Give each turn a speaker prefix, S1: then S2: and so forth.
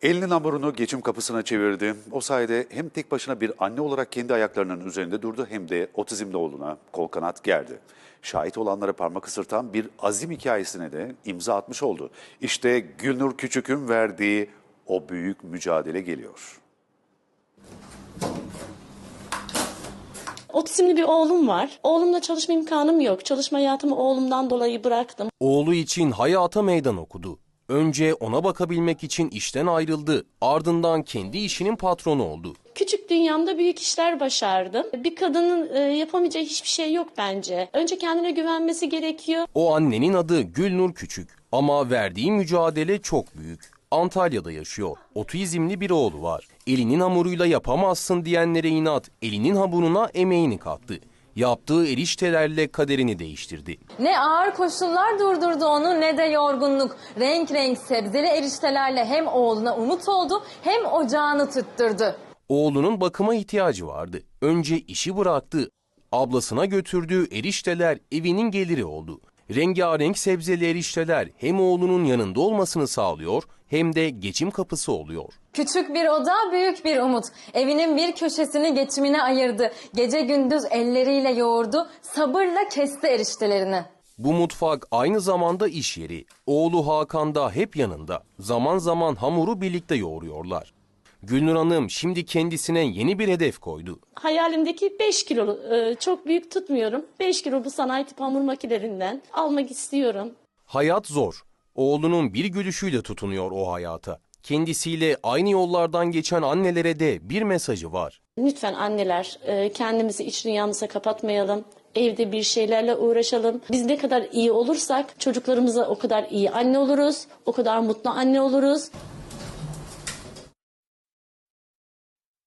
S1: Elinin hamurunu geçim kapısına çevirdi. O sayede hem tek başına bir anne olarak kendi ayaklarının üzerinde durdu hem de otizmli oğluna kol kanat gerdi. Şahit olanlara parmak ısırtan bir azim hikayesine de imza atmış oldu. İşte Gülnur Küçük'ün verdiği o büyük mücadele geliyor.
S2: Otizmli bir oğlum var. Oğlumla çalışma imkanım yok. Çalışma hayatımı oğlumdan dolayı bıraktım.
S3: Oğlu için hayata meydan okudu. Önce ona bakabilmek için işten ayrıldı. Ardından kendi işinin patronu oldu.
S2: Küçük dünyamda büyük işler başardım. Bir kadının yapamayacağı hiçbir şey yok bence. Önce kendine güvenmesi gerekiyor.
S3: O annenin adı Gülnur Küçük ama verdiği mücadele çok büyük. Antalya'da yaşıyor. Otizmli bir oğlu var. Elinin hamuruyla yapamazsın diyenlere inat, elinin hamuruna emeğini kattı. Yaptığı eriştelerle kaderini değiştirdi.
S4: Ne ağır koşullar durdurdu onu ne de yorgunluk. Renk renk sebzeli eriştelerle hem oğluna umut oldu hem ocağını tutturdu.
S3: Oğlunun bakıma ihtiyacı vardı. Önce işi bıraktı. Ablasına götürdüğü erişteler evinin geliri oldu. Rengarenk sebzeli erişteler hem oğlunun yanında olmasını sağlıyor hem de geçim kapısı oluyor.
S4: Küçük bir oda, büyük bir umut. Evinin bir köşesini geçimine ayırdı. Gece gündüz elleriyle yoğurdu, sabırla kesti eriştelerini.
S3: Bu mutfak aynı zamanda iş yeri. Oğlu Hakan da hep yanında. Zaman zaman hamuru birlikte yoğuruyorlar. Gülnur Hanım şimdi kendisine yeni bir hedef koydu.
S2: Hayalimdeki 5 kilo, çok büyük tutmuyorum. 5 kilo bu sanayi tip hamur makinelerinden almak istiyorum.
S3: Hayat zor. Oğlunun bir gülüşüyle tutunuyor o hayata. Kendisiyle aynı yollardan geçen annelere de bir mesajı var.
S2: Lütfen anneler kendimizi iç dünyamıza kapatmayalım. Evde bir şeylerle uğraşalım. Biz ne kadar iyi olursak çocuklarımıza o kadar iyi anne oluruz. O kadar mutlu anne oluruz.